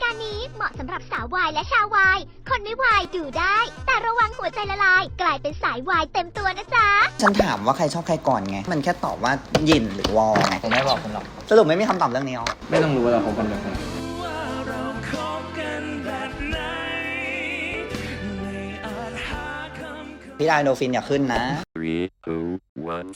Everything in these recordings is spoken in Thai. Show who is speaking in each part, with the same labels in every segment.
Speaker 1: การนี้เหมาะสำหรับสาววายและชาววายคนไม่วายดูได้ แต่ระวังหัวใจละลาย กลายเป็นสายวายเต็มตัวนะจ๊ะ
Speaker 2: ฉันถามว่าใครชอบใครก่อนไง มันแค่ตอบว่าหยินหรือวอไง
Speaker 3: ผมไม่บอกคุณหรอก
Speaker 2: สรุปไม่มีคำตอบเรื่องนี้หรอ
Speaker 4: ไม่ต้องรู้ว่าเราคบกันแบบไหน
Speaker 2: พี่ไดโนฟินอย่าขึ้นนะ
Speaker 5: 3, 2, 1.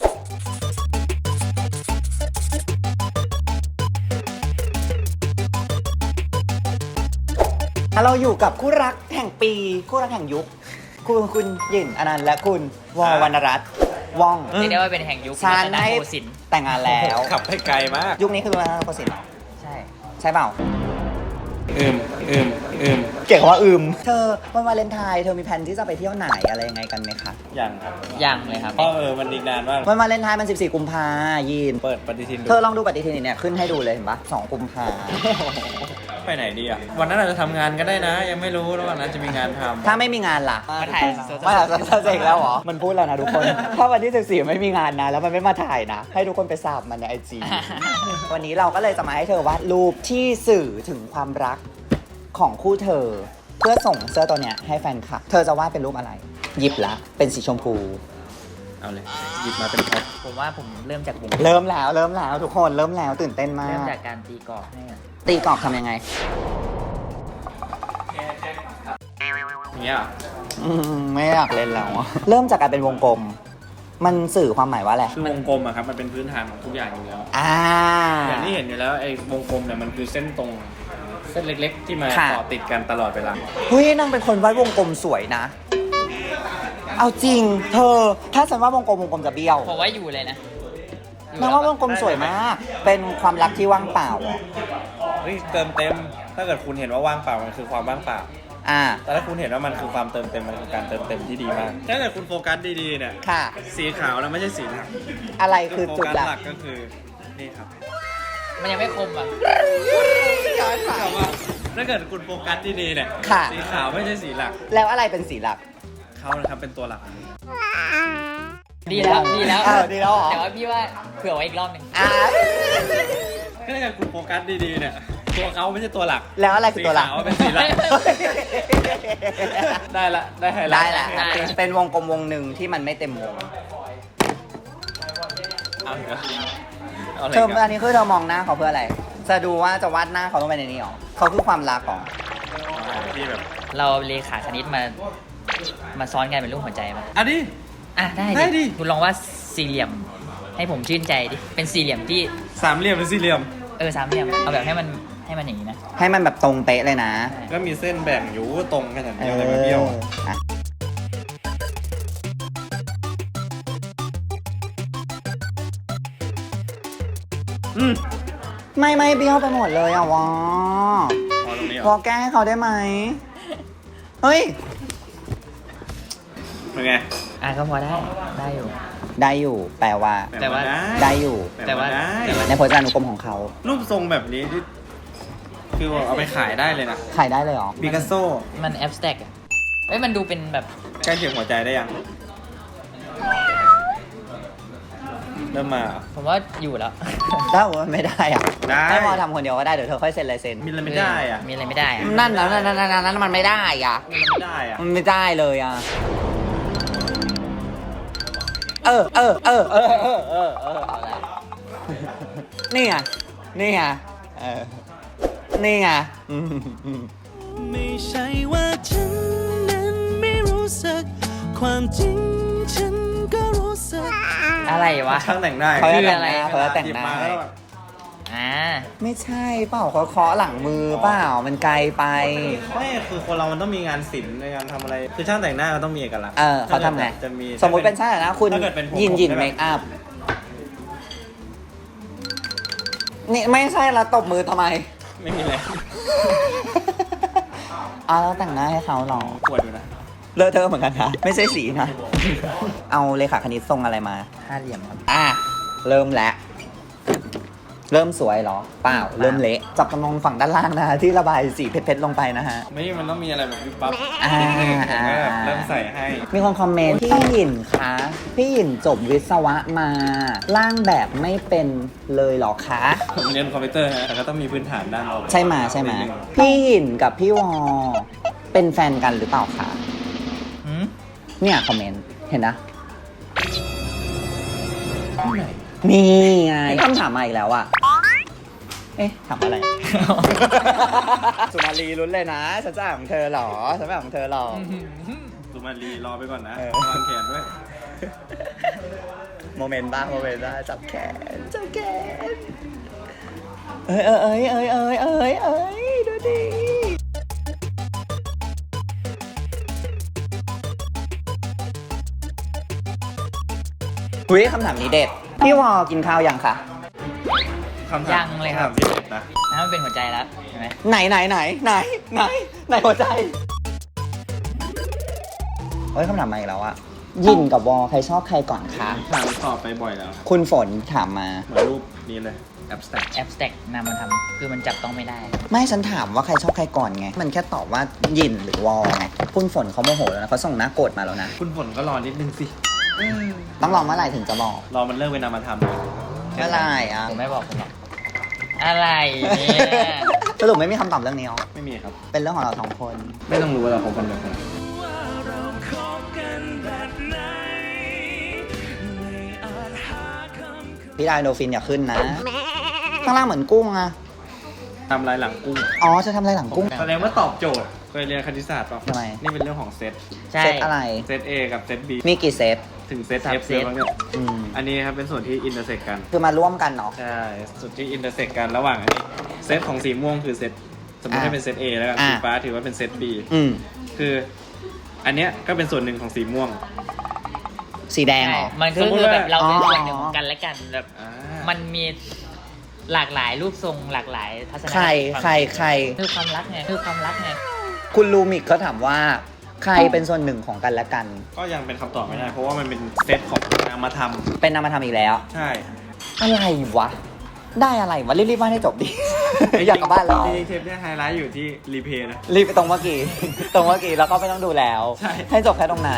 Speaker 2: เราอยู่กับคู่รักแห่งปี คู่รักแห่งยุค คุณหยินอนันต์และคุณวอวรรณรัตน์ว่อง
Speaker 3: เรียกได้ว่าเป็นแห่งยุค
Speaker 2: ฉัน
Speaker 3: รัต
Speaker 2: ให้
Speaker 3: โกสินทร์
Speaker 2: แต่งงานแล้ว
Speaker 4: ขับให้ไกลมาก
Speaker 2: ยุคนี้คือรัตนโกสินทร์เหรอ
Speaker 3: ใช่
Speaker 2: ใช่เปล่า
Speaker 4: อืม
Speaker 2: เก่งคำว่าเธอวันวาเลนไทน์เธอมีแผนที่จะไปเที่ยวไหนอะไรยังไงกันไหมคะ
Speaker 4: ยังครับ
Speaker 3: ยังเลยครับ
Speaker 4: เพราะมันอีกนานมาก
Speaker 2: วันวาเลนไทน์มัน 14 กุมภายีน
Speaker 4: เปิดปฏิทินดู
Speaker 2: เธอลองดูปฏิทินเนี่ยขึ้นให้ดูเลยเห็นปะ2 กุมภา
Speaker 4: ไปไหนดีอ่ะ วันนั้นอาจจะทำงานก็ได้นะ ยังไม่รู้แล้ววันนั้นจะมีงานทำ
Speaker 2: ถ้าไม่มีงานล่ะ
Speaker 3: มาถ่ายโซ
Speaker 2: มาถ่ายโซเซกแล้วเหรอ มันพูดแล้วนะทุกคน ถ้าวันที่ 14 ไม่มีงานนะ แล้วมันไม่มาถ่ายนะ ให้ทุกคนไปสาบมันในไอจี วันนี้เราก็เลยจะมาให้เธอวาดรูปที่สื่อถึงความรักของคู่เธอ เพื่อส่งเสื้อตัวเนี้ยให้แฟนคลับ เธอจะวาดเป็นรูปอะไร หยิบละ เป็นสีชมพู
Speaker 4: เอาเลย หยิบมาเป็นแพ็ค
Speaker 3: ผมว่าผมเริ่มจากวง
Speaker 2: เริ่มแล้วทุกคนเริ่มแล้วตื่นเต้นมา
Speaker 3: เริ่ม
Speaker 2: ก
Speaker 3: จากการตีกรอบให้กัน
Speaker 2: ตีกรอบทำยังไง
Speaker 4: เนี้ย
Speaker 2: ไม่อยากเล่นแล้วอะเริ่มจากการเป็นวงกลม มันสื่อความหมายว่าอะไร
Speaker 4: คือวงกลมอะครับ มันเป็นพื้นฐานของทุกอย่างอยู่แล้ว อย่างที่เห็นอยู่แล้วไอ้วงกลมเนี่ยมันคือเส้นตรง เส้นเล็กๆ ที่มา
Speaker 2: ค่ะ
Speaker 4: ต่อติดกันตลอดเวลา
Speaker 2: เฮ้ยนางเป็นคนวาดวงกลมสวยนะ เอาจริง เธอ ถ้าฉันว่าวงกลมจะเบี้ยว
Speaker 3: ผมว่าอยู่เลยนะอยู่
Speaker 2: นางว่าวงกลมสวยมาก เป็นความรักที่ว่างเปล่าเหรอ
Speaker 4: เฮ้ยเติมเต็ม ถ้าเกิดคุณเห็นว่าว่างเปล่ามันคือความว่างเปล่า
Speaker 2: อ่า
Speaker 4: แต่ถ้าคุณเห็นว่ามันคือความเติมเต็มมันคือการเติมเต็มที่ดีมาก ถ้าเกิดคุณโฟกัสดีๆเนี่ย
Speaker 2: ค่ะ
Speaker 4: สีขาวแล้วไม่ใช่สีหลัก
Speaker 2: อะไรคือจุด
Speaker 4: โฟ
Speaker 2: ห
Speaker 4: กั
Speaker 2: ลั
Speaker 4: ส
Speaker 2: ก
Speaker 4: หลักก็คือนี่ครับ
Speaker 3: มันยังไม่คมอ่ะ
Speaker 4: แต่ว่าถ้าเกิดคุณโฟกัสดีๆเนี่ย
Speaker 2: ค่ะ
Speaker 4: สีขาวไม่ใช่สีหลัก
Speaker 2: แล้วอะไรเป็นสีหลัก
Speaker 4: เขานะครับเป็นตัวหลัก
Speaker 3: ดีแล้วดีแล้ว
Speaker 2: ดีแล้วเหรอ
Speaker 3: แต่ว่าพี่ว่าเผื่อไว้อีกรอบหนึ่ง
Speaker 2: อ่า
Speaker 4: ถ้าเกิดคุณโฟกัสดีๆเนี่ยตัวเขาไม่ใช่ตัวหลัก
Speaker 2: แล้วอะไรคือตัวหลัก
Speaker 4: สีขาวเป็นสีหลัก ได้ละได้ไฮไล
Speaker 2: ได้
Speaker 4: ท์
Speaker 2: แหละเป็นวงกลมวงหนึ่งที่มันไม่เต็มวง
Speaker 4: เอาอีกแล้วเอาอะไร
Speaker 2: เธอ
Speaker 4: อีก
Speaker 2: อั
Speaker 4: อะ
Speaker 2: นนี้คือเธอมองหน้าเขาเพื่ออะไร จะดูว่าจะวาดหน้าเขาต้องไปในนี้หรอเขาคือความรักหรอ
Speaker 4: ที่แบบ
Speaker 3: เราเลขาคณิตมาซ้อนกันเป็นรูปหัวใจมา
Speaker 4: อันนี้
Speaker 3: อ่ะได้
Speaker 4: ได้ดิ
Speaker 3: คุณลองว่าดสี่เหลี่ยม ให้ผมชื่นใจดิ เป็นสี่เหลี่ยมที่
Speaker 4: สามเหลี่ยมหรือสี่เหลี่ยม
Speaker 3: สามเหลี่ยม เอาแบบให้มันอย่างนี้นะ
Speaker 2: ให้มันแบบตรงเป๊ะเลยนะ
Speaker 4: ก็มีเส้นแบ่งอยู่ตรงขนาดนี้อะไรมาเบี้ยวอะ
Speaker 2: อ่ะไม่เบี้ยวไปหมดเลยอ่ะวอ
Speaker 4: พอตรงนี้เหร
Speaker 2: วอ
Speaker 4: อ
Speaker 2: แก้ให้เขาได้ไหม เฮ้ย
Speaker 4: เป็นไง
Speaker 3: ก็พอได้อยู่
Speaker 2: ได้อยู่ แปลว่า
Speaker 3: แต่ว่า
Speaker 2: ได้อยู่
Speaker 3: แต่ว่า
Speaker 4: ได้
Speaker 2: ในพจนานุกรมของเขา
Speaker 4: รูปทรงแบบนี้ที่คือเอาไปขายได้เลยนะ
Speaker 2: ขายได้เลยเหรอ
Speaker 4: ปิกัสโซ
Speaker 3: มันแอบสแต็กอะมันดูเป็นแบบ
Speaker 4: ใกล้เคียงหัวใจได้ยัง เริ่มมาเหรอ
Speaker 3: ผมว่าอยู่แล้ว
Speaker 2: ถ้าว่าไม่ได้อ่ะ
Speaker 4: ได้
Speaker 2: ให้วอทำคนเดียวก็ได้ เดี๋ยวเธอค่อยเซ็นลายเซ็น
Speaker 4: มีอะไรไม่ได้อะ
Speaker 3: มีอะไรไม่ได้อะ
Speaker 2: นั่นมันไม่ได้อ่ะ
Speaker 4: มีอะไรไม่ได้อะ
Speaker 2: มันไม่ได้เลยอ่ะ เอาละนี่ไงนี่ไงนี่ไง
Speaker 6: ไม่ใช่ว่าฉันนั้นไม่รู้สึก ความจริงฉันก็รู้สึก
Speaker 3: อะไรวะ
Speaker 4: ช่างแต่งหน้า
Speaker 2: เขาจะ
Speaker 3: คือ
Speaker 2: แต่ง
Speaker 3: อะไร
Speaker 2: หน้าเขาจะแต่ง
Speaker 4: หยิบ
Speaker 2: หน้า
Speaker 4: มาแล้วแบบ
Speaker 2: ไม่ใช่เปล่าเขาเคาะหลังมือเปล่ามันไกลไป
Speaker 4: ไม่คือคนเรามันต้องมีงานศิลป์ในการทำอะไร คือช่างแต่งหน้ามันต้องมีเอกลักษณ์
Speaker 2: เขาทำไง
Speaker 4: จะมี
Speaker 2: สมมุติเป็นช่างแต่งหน้าคุณ
Speaker 4: ถ้าเกิดเป็นผม
Speaker 2: ยิน
Speaker 4: ผมจะแบบ
Speaker 2: เมคอัพนี่ไม่ใช่ละตบมือทำไม
Speaker 4: ไม่มีเลย
Speaker 2: แล้วแต่งหน้าให้เขาหรอ
Speaker 4: ปวดอยู่นะ
Speaker 2: เลอะเทอะเหมือนกันนะไม่ใช่สีนะ เอาเลขาคณิตทรงอะไรมา
Speaker 3: ห้าเหลี่ยมครับ
Speaker 2: เริ่มแล้วเริ่มสวยเหรอ เปล่า เริ่มเละ จับจำลองฝั่งด้านล่างนะฮะที่ระบายสีเพชรๆลงไปนะฮะ
Speaker 4: ไม่มันต้องมีอะไรแบบวิบวับ
Speaker 2: อ่า
Speaker 4: นิดนึงผมก็แบบเริ่มใส่ให้
Speaker 2: มีคนคอมเมนต์พี่หยินคะพี่หยินจบวิศวะมาร่างแบบไม่เป็นเลยเหรอคะ
Speaker 4: ผมเรียนคอมพิวเตอร์ฮะแต่ก็ต้องมีพื้นฐานด้านออก
Speaker 2: ใช่ไหมใช่ไหม
Speaker 4: นิดนึง
Speaker 2: พี่หยินกับพี่วอเป็นแฟนกันหรือเปล่าคะ
Speaker 3: หืม
Speaker 2: เนี่ยคอมเมนต์เห็นนะนี่ไงคำถามมาอีกแล้วอะเอ๊ะถามอะไร สุมาลีลุ้นเลยนะฉันจะอ่านของเธอเหรอฉันไม่อ่านของเธอหรอก
Speaker 4: สุมาลีรอไปก่อนนะ
Speaker 2: เออ
Speaker 4: วางแขนด้วย
Speaker 2: โมเมนต์บ้างโมเมนต์บ้างจับแขนจับแขนเอ้ยเอ้ยเอ้ยเอ้ยเอ้ยเอ้ยดูดิหุ้ยคำถามนี้เด็ดพี่วอกินข้าวยังคะ
Speaker 4: คำถาม
Speaker 3: ยังเลยครับ
Speaker 4: ำถามที่เด็ดนะ
Speaker 3: ถ้ามันเป็นหัวใจแล้วใช่ไหม
Speaker 2: ไหนหัวใจเฮ้ยคำถามมาอีกแล้วอะยินกับวอใครชอบใครก่อนคะ
Speaker 4: ถามตอบไปบ่อยแล้วครับ
Speaker 2: คุณฝนถามมา
Speaker 4: เหมือนรูปนี้เลย abstract
Speaker 3: แอปสแต็กนำมาทำคือมันจับต้องไม่ได้
Speaker 2: ไม่ฉันถามว่าใครชอบใครก่อนไง มันแค่ตอบว่ายินหรือวอไงคุณฝนเขาโมโหแล้วนะเขาส่งหน้าโกรธมาแล้วนะ
Speaker 4: คุณฝนก็รอนิดนึงสิ
Speaker 2: ต้องรอเมื่อไหร่ถึงจะบอก
Speaker 4: รอมันเลิกเป็นนามธรรม
Speaker 2: เมื่อไหร่อ่ะ
Speaker 3: ผมไม่บอกผมหรอกอะไรเนี่ย
Speaker 2: สรุปไม่มีคำตอบเรื่องนี้หรอ
Speaker 4: ไม่มีครับ
Speaker 2: เป็นเรื่องของเราสองคน
Speaker 4: ไม่ต้องรู้ว่าเราคบกันแบบไหน
Speaker 6: ว่าเราคบกันแบบไหนไม่อาจหาคำ
Speaker 2: พี่ไดโนฟินอย่าขึ้นนะ ข้างล่างเหมือนกุ้งอะ
Speaker 4: ทำลายหลังกุ้ง
Speaker 2: อ๋อจะทำอะไรหลังกุ้ง
Speaker 4: แสดงว่าตอบโจทย์เคยเรียนคณิตศาสตร์ป่ะ
Speaker 2: ทำไม
Speaker 4: นี่เป็นเรื่องของเซต
Speaker 3: ใช่
Speaker 2: เซตอะไร
Speaker 4: เซต A กับเซต B
Speaker 2: มีกี่เซต
Speaker 4: ถึงเซต
Speaker 3: สาม
Speaker 4: F
Speaker 3: เซ
Speaker 4: เล
Speaker 3: ต
Speaker 4: ยมั้งเนี่ย
Speaker 2: อืม
Speaker 4: อันนี้ครับเป็นส่วนที่อินเตอร์เซ็กกัน
Speaker 2: คือมาร่วมกันเนาะ
Speaker 4: ใช่ส่วนที่อินเตอร์เซ็กกันระหว่างอันนี้เซตของสีม่วงคือเซตสมมติให้เป็นเซต A แล้วกัน
Speaker 2: อ่า
Speaker 4: สีฟ้าถือว่าเป็นเซต B
Speaker 2: อืม
Speaker 4: คืออันเนี้ยก็เป็นส่วนหนึ่งของสีม่วง
Speaker 2: สีแดงเหรอ
Speaker 3: มันก็
Speaker 4: สมมุติ
Speaker 3: คือ
Speaker 4: ว่า
Speaker 3: แบบเราเป็น
Speaker 2: อ๋อ
Speaker 3: ส่วนหนึ่งของกันและกันแบบ
Speaker 4: อ่า
Speaker 3: มันมีหลากหลายรูปทรงหลากหลายทัศนค
Speaker 2: ใคร
Speaker 3: ติ
Speaker 2: ใคร
Speaker 3: คือความรักไงคือความรักไง
Speaker 2: คุณลูมิกเขาถามว่า ใครเป็นส่วนหนึ่งของกันและกัน
Speaker 4: ก็ยังเป็นคำตอบไม่ได้ เพราะว่ามันเป็นเซตของนามธรรม
Speaker 2: เป็นนามธรรมอีกแล้ว
Speaker 4: ใช่
Speaker 2: อะไรวะ ได้อะไรวะ รีบๆว่าให้จบดิ อยากกลับบ้านแล้ว
Speaker 4: จริงๆเทปเนี้ยไฮไลท์อยู่ที่รีเพย์นะ
Speaker 2: รีบไปตรงเมื่อกี้ ตรงเมื่อกี้แล้วก็ไม่ต้องดูแล้ว
Speaker 4: ใช่
Speaker 2: ให้จบแค่ตรงนั้น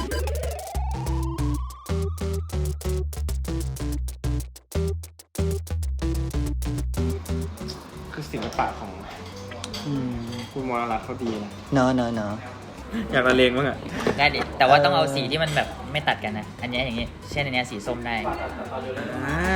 Speaker 4: คือศิลปะของคุณมรรัตน์เขาดีนะ
Speaker 2: เนอะเนอะเนอะ
Speaker 4: อยากละเลงบ้างอะ
Speaker 3: ได้ดิแต่ว่าต้องเอาสีที่มันแบบไม่ตัดกันนะ อันเนี้ยอย่างงี้เช่นอันเนี้ยสีส้มได้
Speaker 4: อ่า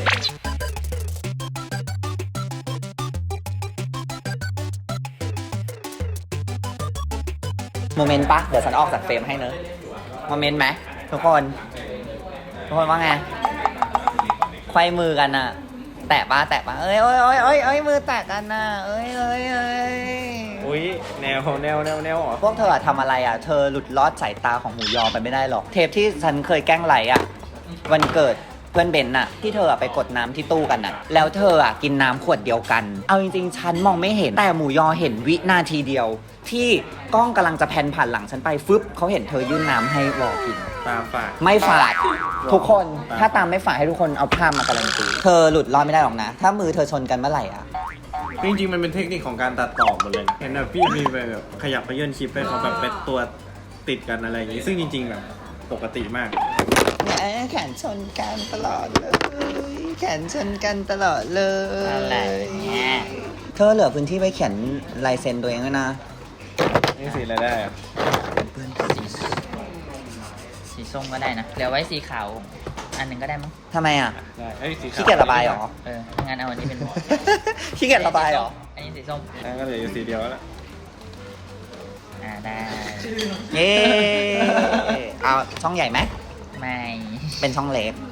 Speaker 2: โมเมนต์ปะเดี๋ยวฉันออกจากเฟรมให้เนอะโมเมนต์ไหมทุกคน ทุกคนว่าไงไขว้มือกันอะแตะปะเอ้ยมือแตะกันน่ะเอ้ย
Speaker 4: อุ้ยแนวเหรอ
Speaker 2: พวกเธออะทำอะไรอะเธอหลุดลอดสายตาของหมูยอไปไม่ได้หรอก เทปที่ฉันเคยแกล้งไหลอะวันเกิดเพื่อนเบนน่ะที่เธออะไปกดน้ำที่ตู้กันน่ะแล้วเธออะกินน้ำขวดเดียวกัน เอาจริงๆฉันมองไม่เห็นแต่หมูยอเห็นวินาทีเดียว ที่กล้องกำลังจะแพนผ่านหลังฉันไปฟึบเขาเห็นเธอยื่นน้ำให้วอกิน
Speaker 4: ตามฝาก
Speaker 2: ไม่ฝาดทุกคนถ้าตามไม่ฝาดให้ทุกคนเอาภาพมาการันตีเธอหลุดรอดไม่ได้หรอกนะ ถ้ามือเธอชนกันเมื่อไหร่อะ
Speaker 4: จริงๆมันเป็นเทคนิคของการตัดต่อหมดเลยนะเห็นแบบพี่มีไปแบบขยับไปเยื่นคลิปไปเขาแบบเป็นตัวติดกันอะไรอย่างงี้ ซึ่งจริงๆแบบปกติมาก
Speaker 2: แขนชนกันตลอดเลยแขนชนกันตลอดเลย
Speaker 3: อะไรเนี่ย
Speaker 2: เธอเหลือพื้นที่ไปเขียนลายเซ็นตัวเองด้วยนะ
Speaker 4: นี่สีอะไรได้อะ
Speaker 3: สีส้มก็ได้นะเหลือไว้สีขาวอันหนึ่งก็ได้มั้ง
Speaker 2: ทำไมอ่ะ
Speaker 4: ได้เอ้ยสีขาว
Speaker 2: ขี้เกียจระบายเหรอ
Speaker 3: งั้นเอาอันนี้เป็น
Speaker 2: ขี้เกียจระบายเหรอ
Speaker 3: อันนี้สีส้ม
Speaker 4: นั่นก็เหลืออยู่สีเดียวแล้ว
Speaker 3: ได้
Speaker 2: เย้เอาช่องใหญ่ไหม
Speaker 3: ไม่
Speaker 2: เป็นช่องเล็ก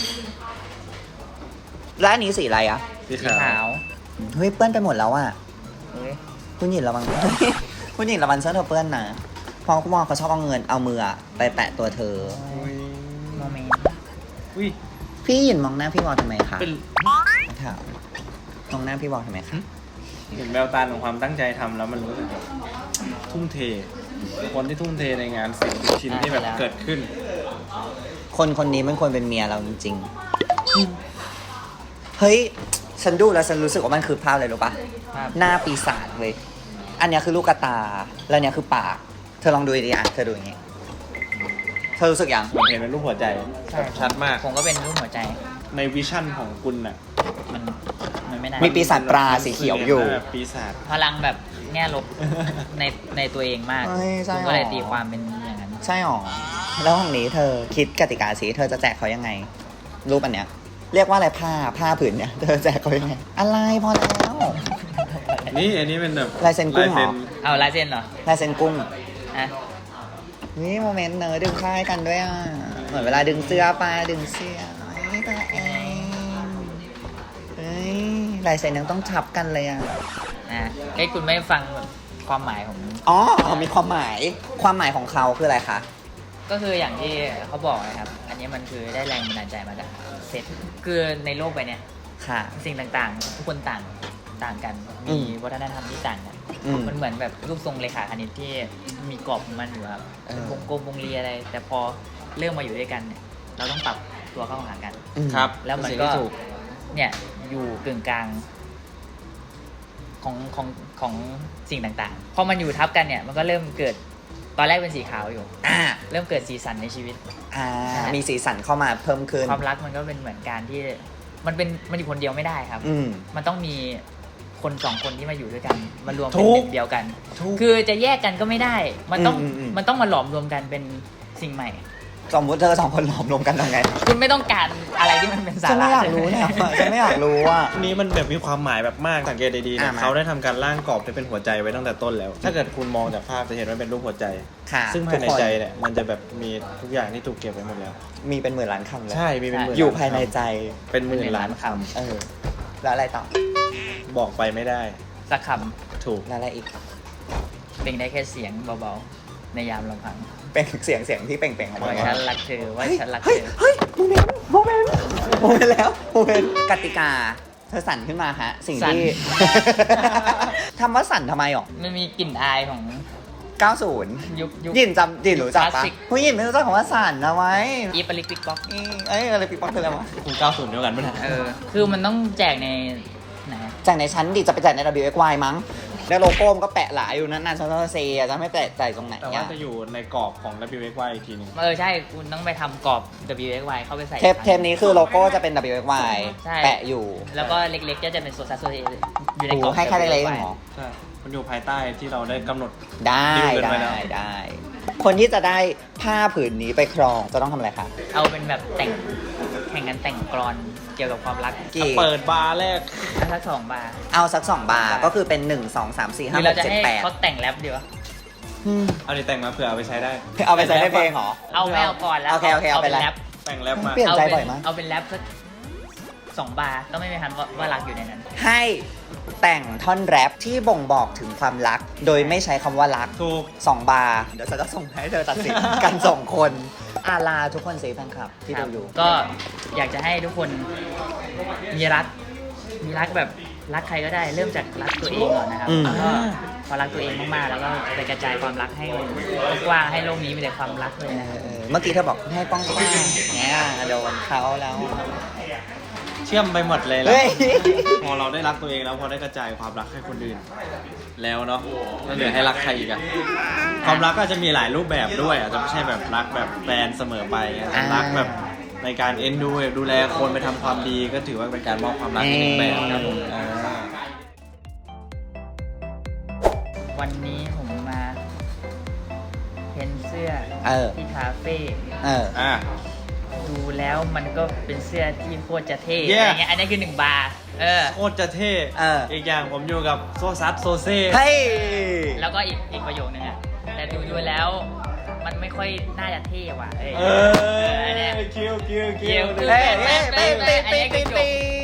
Speaker 2: แล้วอันนี้สีอะไรอ่ะ
Speaker 4: สี
Speaker 3: สี
Speaker 4: ขาว
Speaker 3: ขาว
Speaker 2: เฮ้ยเปื้อนไปหมดแล้วอ่ะ
Speaker 3: เฮ้ย
Speaker 2: คุณหญิงระวัง คุณหญิงระวังเสื้อเธอเปื้อนนะเพราะคุณมองเขาชอบเอามืออะไปแปะตัวเธอ
Speaker 4: อุ้ย
Speaker 3: โมเมนต์
Speaker 4: อุ้ย
Speaker 2: พี่หญิงมองหน้าพี่วอลทำไมคะ
Speaker 4: เป็น
Speaker 2: ถามมองหน้าพี่วอลทำไมคะ
Speaker 4: เห็นแววตาของความตั้งใจทำแล้วมันรู้สึกแบบทุ่มเทคนที่ทุ่มเทในงานสิ่งทุกชิ้นที่แบบเกิดขึ้น
Speaker 2: คนนี้มันควรเป็นเมียเราจริงๆ เฮ้ยฉันดูแล้วฉันรู้สึกว่ามันคือภาพอะไรรู้ปะ
Speaker 3: ภาพ
Speaker 2: หน้าปีศาจเลย อันเนี้ยคือลูกกระตา แล้วเนี้ยคือปาก เธอลองดูดีๆอ่ะเธอดูอย่างงี้ เธอรู้สึกยัง
Speaker 4: ผมเห็นเป็นรูปหัวใจแบบชัดมาก
Speaker 3: ผมก็เป็นรูปหัวใจ
Speaker 4: ในวิชั่นของคุณน่ะ
Speaker 3: มันไม่ได้
Speaker 2: มีปีศาจปลาสีเขียวอยู่
Speaker 4: ปีศาจ
Speaker 3: พลังแบบแง่ลบในตัวเองมาก
Speaker 2: เฮ้ยใช่
Speaker 3: คุณ
Speaker 2: หรอ
Speaker 3: ก็เลยตีความเป็นอย่างนั้น
Speaker 2: ใช่หรอ แล้วห้องนี้เธอคิดกติกาสิเธอจะแจกเขายังไง รูปอันเนี้ย เรียกว่าอะไรผ้าผืนเนี้ย เธอแจกเขายังไง อะไรพอแล้ว
Speaker 4: นี่อันนี้เป็นแบบ
Speaker 2: ลายเซ็นกุ้งเหรอ
Speaker 3: เอาลายเส้นเหรอ
Speaker 2: ลายเซ็นกุ้ง
Speaker 3: อ่ะ
Speaker 2: นี่โมเมนต์เนอะดึงผ้าให้กันด้วยอ่ะ เหมือนเวลาดึงเสื้อปลาดึงเสื้อไอ้ตัวเองเอ้ยลายเซ็นยังต้องทับกันเลยอ่ะ
Speaker 3: เอ้ยคุณไม่ฟังความหมายของ
Speaker 2: อ๋อ มีความหมาย ความหมายของเขาคืออะไรคะ
Speaker 3: ก็คืออย่างที่เขาบอกนะครับ อันนี้มันคือได้แรงบันดาลใจมาจากเซตคือในโลกใบเนี้ย
Speaker 2: ค่ะ
Speaker 3: สิ่งต่างๆ ทุกคนต่างกัน
Speaker 2: อื
Speaker 3: มี
Speaker 2: ม
Speaker 3: วัฒนธรรมที่ต่างกัน
Speaker 2: อืม
Speaker 3: มันเหมือนแบบรูปทรงเลขาคณิตที่มีกรอบของมันอยู่ครับ
Speaker 2: เออ
Speaker 3: เป็นวงกลมวงรีอะไร แต่พอเริ่มมาอยู่ด้วยกันเนี่ยเราต้องปรับตัวเข้าหากัน
Speaker 2: อืม
Speaker 4: ครับ
Speaker 3: แล้วมัน
Speaker 4: เป็
Speaker 3: ก็
Speaker 4: สิ่งที่ถูก
Speaker 3: เนี่ยอยู่กึ่งกลางของสิ่งต่างๆ พอมันอยู่ทับกันเนี่ยมันก็เริ่มเกิดตอนแรกเป็นสีขาวอยู่
Speaker 2: อ่า
Speaker 3: เริ่มเกิดสีสันในชีวิต
Speaker 2: มีสีสันเข้ามาเพิ่มขึ้น
Speaker 3: ความรักมันก็เป็นเหมือนการที่มันอยู่คนเดียวไม่ได้ครับ
Speaker 2: อืม
Speaker 3: มันต้องมีคนสองคนที่มาอยู่ด้วยกันมารวม
Speaker 4: ถู
Speaker 3: เป็น
Speaker 4: ก
Speaker 3: หนึ่งเดียวกัน
Speaker 4: ถูก
Speaker 3: คือจะแยกกันก็ไม่ได้ มันต้อง
Speaker 2: อืม
Speaker 3: มันต้องมาหลอมรวมกันเป็นสิ่งใหม่
Speaker 2: สมมติเธอสองคนหลอมรวมกันทำไง
Speaker 3: คุณไม่ต้องการอะไรที่มันเป็นสา
Speaker 2: ฉัน
Speaker 3: ระ
Speaker 2: ไม่อยากรู้เนี่ยฉันไม่อยากรู้อ่ะ
Speaker 4: อันนี้มันแบบมีความหมายแบบมากสังเกตดีๆ
Speaker 2: อ่ะ
Speaker 4: นะ
Speaker 2: มา
Speaker 4: เขาได้ทำการร่างกรอบที่เป็นหัวใจไว้ตั้งแต่ต้นแล้ว ถ้าเกิดคุณมองจากภาพจะเห็นว่าเป็นรูปหัวใจ
Speaker 2: ค่ะ
Speaker 4: ซึ่ง
Speaker 2: ทุ
Speaker 4: ภาก ยใน
Speaker 2: คน
Speaker 4: ใจเนี่ยมันจะแบบมีทุกอย่างที่ถูกเก็บไว้หมดแล้ว
Speaker 2: มีเป็นหมื่นล้านคำเลย
Speaker 4: ใช่มีเป็นหมื่น
Speaker 2: อยู่
Speaker 4: ล้
Speaker 2: ภายในใจ
Speaker 4: เป็นหมื่นล้านค
Speaker 2: เออ แล้วอะไรต่อ
Speaker 4: ำบอกไปไม่ได้
Speaker 3: สักค
Speaker 4: ถูก
Speaker 2: แล้วอะไรอีก
Speaker 3: ำเป็นได้แค่เสียงเบาๆในยามลำพัง
Speaker 2: เป็นเสียงที่เป่งๆออกมา
Speaker 3: ว่า
Speaker 2: ไง
Speaker 3: ฉันรักเธอว่าฉันรัก
Speaker 2: เฮ้
Speaker 3: เธ
Speaker 2: ย
Speaker 3: อ
Speaker 2: เฮ้ยโมเมนต์แล้วโมเมนต์กติกา เธอสั่นขึ้นมาฮะ สิ่งที่ ทำว่าสั่นทำไมหรอ
Speaker 3: มันมีกลิ่นอายของ
Speaker 2: 90
Speaker 3: ยุค
Speaker 2: ยินรู้จัก
Speaker 3: คลา
Speaker 2: ปะ
Speaker 3: สสิก
Speaker 2: ผู้ยินไม่รู้จักคำว่าสั่นนะไว้
Speaker 3: อีปลิกปิกบ็อก
Speaker 2: เอ้ยอะไรปีป๊อกคืออะไรวะ
Speaker 4: คุณ90เดียวกันปะเนี่ย
Speaker 3: คือมันต้องแจกในไหน
Speaker 2: จากในชั้นดิจะไปจ่ายใน WXY มั้ง แล้วโลโก้มันก็แปะหลายอยู่นั่นฉันต้องเซียจะไม่แปะใจตรงไหน
Speaker 4: แต่ว่าจะอยู่ในกรอบของ WXY อีกทีหนึง
Speaker 3: ใช่คุณต้องไปทำกรอบ WXY เข้าไปใส่
Speaker 2: เทปนี้คือโลโก้จะเป็น WXY
Speaker 3: ใช่
Speaker 2: แปะอยู่
Speaker 3: แล้วก็เล็กๆก็จะเป็นโซซัสโซเออยู่ใน
Speaker 2: โอ้
Speaker 3: กรอบ
Speaker 2: ให้แค่เล็กๆ
Speaker 3: WXY
Speaker 2: เหรอ
Speaker 4: ใช่ มันอยู่ภายใต้ที่เราได้กำหนด
Speaker 2: ได้
Speaker 4: ดิวกันไว้แล้ว
Speaker 2: ได้ คนที่จะได้ผ้าผืนนี้ไปครองจะต้องทำอะไรคะ
Speaker 3: เอาเป็นแบบแข่งกันแต่งกลอนเกี่ยวกับความรัก
Speaker 2: กี่
Speaker 4: เปิดบาร์แรก
Speaker 3: สัก2 บาร์
Speaker 2: เอาสัก2 บาร์ก็คือเป็น 1 2 3 4
Speaker 3: หรือ
Speaker 2: 5
Speaker 3: เรา
Speaker 2: 6
Speaker 3: จะให้
Speaker 2: 7
Speaker 3: เขาแต่งแรปดีวะ
Speaker 2: 8
Speaker 4: เอาดิแต่งมาเผื่อเอาไปใช้ได้
Speaker 2: เอาไปใช้ในเพลงเหรอ
Speaker 3: เอาไม่เอาก่อนแล้ว
Speaker 2: โอเคเอาไป
Speaker 3: เป็น
Speaker 2: แร
Speaker 3: แร
Speaker 2: ป
Speaker 3: ป
Speaker 4: แต่งแรปมา
Speaker 2: เปลี่ยนใจบ่อยมาก
Speaker 3: เอาเป็นแรปสัก2 บาร์ก็ไม่มีทันว่ารักอยู่ในนั้น
Speaker 2: ให้แต่งท่อนแรปที่บ่งบอกถึงความรัก โดยไม่ใช้คำว่ารัก
Speaker 4: ถูก
Speaker 2: 2 บาร์เดี๋ยวฉันจะส่งให้เธอตัดสิน กัน2 คนอาลาทุกคนเซฟแฟนคลับที่ดูอยู่
Speaker 3: ก็อยากจะให้ทุกคนมีรักแบบรักใครก็ได้ เริ่มจากรักตัวเองก่อนนะครับ
Speaker 2: อืม
Speaker 3: แล้วก็พอรักตัวเองมากๆแล้วก็ไปกระจายความรักให้กว้างให้โลกนี้มีแต่ความรักเลยนะ
Speaker 2: เมื่อกี้เธอบอกให้ป้องกันเนี่ยโดนเขาแล้ว
Speaker 4: เชื่อมไปหมดเลยแล้
Speaker 2: เฮ้
Speaker 4: วย พอเราได้รักตัวเองแล้วพอได้กระจายความรักให้คนอื่น แล้วเนาะแล้วเหลือให้รักใครอีกอะความรักก็จะมีหลายรูปแบบด้วยอาจจะไม่ใช่แบบรักแบบแฟนเสมอไปอาจจะรักแบบในการเอ็นดูแลคนไปทำความดีก็ถือว่าเป็นการมอบความรักอีกหนึ่งแบบครับผมา
Speaker 3: วันนี้ผมมาเพ้นเสื้อ
Speaker 2: เออ
Speaker 3: ที่คาเฟ่
Speaker 4: อ่ะ
Speaker 3: ดูแล้วมันก็เป็นเสื้อที่โคตรจะเท่
Speaker 4: Yeah
Speaker 3: อะไรเงี้ยอันนี้คือ1 บาร์
Speaker 4: โคตรจะเท่ อีกอย่างผมอยู่กับโซซัสโซเซ่
Speaker 2: เฮ้ย
Speaker 3: แล้วก็อีกประโยคนึงอะแต่ดูแล้วมันไม่ค่อยน่าจะเท่ว่ะอันเนี้ย
Speaker 4: คิว
Speaker 3: เกี่ยว
Speaker 2: เฮ้ยเฮ้ยเฮ้ยเฮ้ยเฮ้ยเฮ้ย